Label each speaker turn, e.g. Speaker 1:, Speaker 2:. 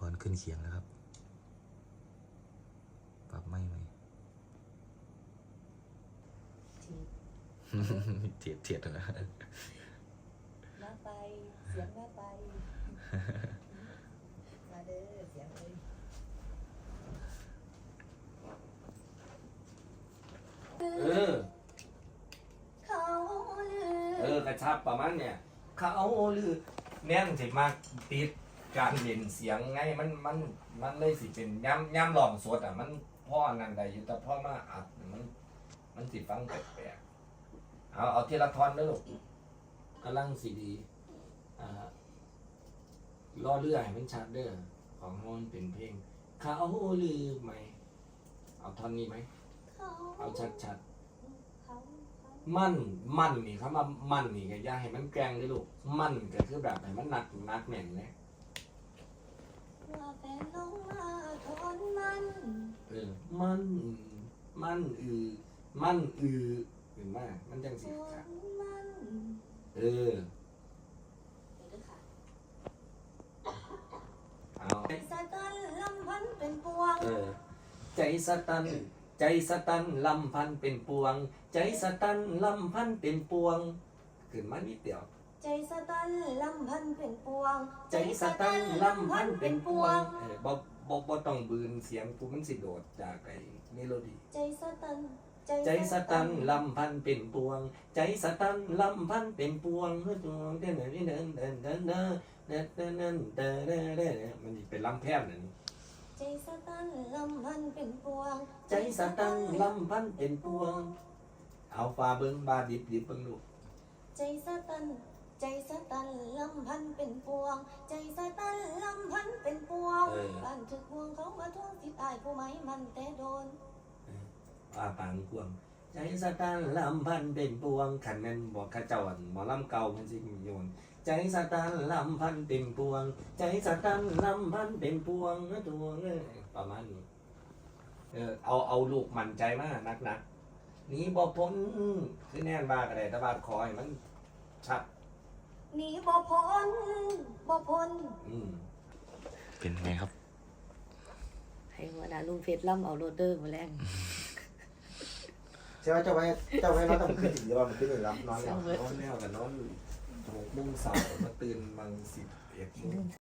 Speaker 1: รณ์ขึ้นเขียงแล้วครับปรับไม่ไหม เทียดนะ
Speaker 2: มาไปเสียงมาไปมาเด้อเสียงเลย
Speaker 3: เออ
Speaker 2: เขาลือก
Speaker 3: ระชับประมาณเนี่ยเขาลือแน่นสิมากติดการเล่นเสียงไงมันเลยสิเป็นย่ำหลองสดอ่ะมันพ่อนั่นใดอยู่แต่พ่อมาอัดมันสิฟังแปลกๆเอาทีละท่อนนะลูกกำลังสีดีล่อเรือให้มันชัดเด้อของมันเป็นเพลงเขาลือไหมเอาท่อนนี้ไหม
Speaker 2: เขา
Speaker 3: เอาชัดๆ
Speaker 2: เขา
Speaker 3: มั่นนี่ครับว่ามั่นนี่ก็อย่าให้มันแกล้งเลยลูกมั่นก็คือแบบให้มันหนักแน่นเลย
Speaker 2: ว่าแฟนน้องมาทนมัน
Speaker 3: มันเห็นไหมมันจัง
Speaker 2: ท
Speaker 3: สิครับ
Speaker 2: นมัน
Speaker 3: เออ
Speaker 2: เดี๋ยวเด้อค่ะ
Speaker 3: เอา
Speaker 2: สะตันลำพันเป็นปวง
Speaker 3: ใจสตันลำพันเป็นปวง ใจสตันลำพันเป็นปวงขึ้นมานิดเดียว
Speaker 2: ใจสะตันลำพันเป็นปวง
Speaker 3: ใจสตันลำพันเป็นปวงบ่ต้องบืนเสียงกูมันสิโดดจากไอ้เมโลดี้
Speaker 2: ใจสะตัน
Speaker 3: ใจสตันลำพันเป็นปวง ใจสตันลำพันเป็นปวงเฮ้ยดวงเดินเดินเดินเดินเดินเดินเดินเดินเดินเดินเดินเดินมันเป็นลำแพนนั่น
Speaker 2: ใจสะตันลำพันเป็นปวง
Speaker 3: ใจสตันลำพันเป็นปวง เอาฟ้าเบิ้งบาดิบเบิ้งลูก
Speaker 2: ใจสะตันใจสะตันลำพันเป็นปวง ใจสะตันลำพันเป็นปวงบ้านถึกห่วงเขามาทวงสิทธิ์อายผู้ไหมมันแต่โดน
Speaker 3: ว่าปางกวง ใจสตันลำพันเป็นปวงขันแม่นบอกข้าเจ้าหมอลำเก่ามันสิมีโยนใจสตันลำพันเป็นปวง ใจสตันลำพันเป็นปวงดวงประมาณนี้เอาลูกมั่นใจมากนักนี้บ่พ้นคือแน่นบ้ากันเลยแต่บ้าคอยมันชัด
Speaker 2: หนีบ่พ้นบ่พ้น
Speaker 1: เป็นไงครับ
Speaker 2: ให้หัวหน้าลุงเพชรล่ำเอาโรดเดอร์มาแรง
Speaker 4: ใช่ไหมเจ้าไว้เราต้องขึ้นอีกหรือว่ามันขึ้นอีกแล้วนอนแล้ว
Speaker 3: นอนแล้วกับนอน6 โมงเสาร์มาตื่นบาง11 โมง